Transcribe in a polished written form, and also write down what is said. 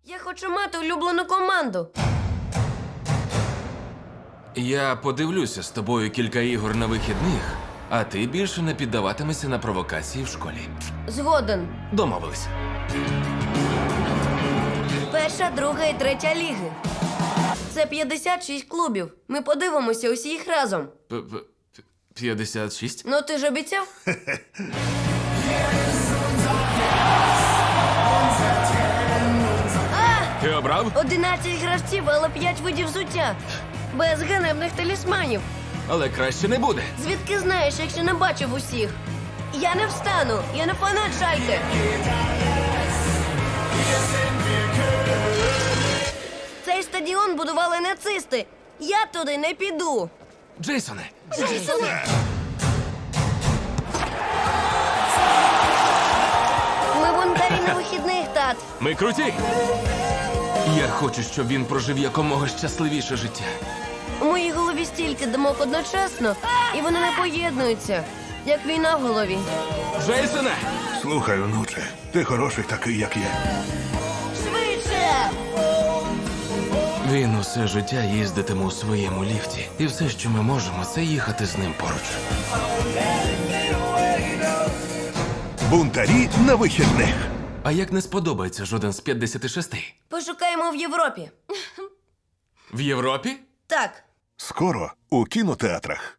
Я хочу мати улюблену команду. Я подивлюся з тобою кілька ігор на вихідних, а ти більше не піддаватимешся на провокації в школі. Згоден. Домовились. Перша, друга і третя ліги. Це 56 клубів. Ми подивимося усі їх разом. 56? Ну ти ж обіцяв? Ти обрав? 11 гравців, але 5 видів взуття. Без ганебних талісманів. Але краще не буде. Звідки знаєш, якщо не бачив усіх? Я не встану, я не фанат Шальке. Цей стадіон будували нацисти. Я туди не піду. Джейсоне, Ми бунтарі на вихідних, тат. ми круті. Я хочу, щоб він прожив якомога щасливіше життя. У моїй голові стільки думок одночасно, і вони не поєднуються, як війна в голові. Джейсоне! Слухай, онуче, ти хороший такий, як є. Швидше! Він усе життя їздитиме у своєму ліфті. І все, що ми можемо, це їхати з ним поруч. Бунтарі на вихідних. А як не сподобається жоден з 56? Пошукаємо в Європі. В Європі? Так. Скоро у кінотеатрах.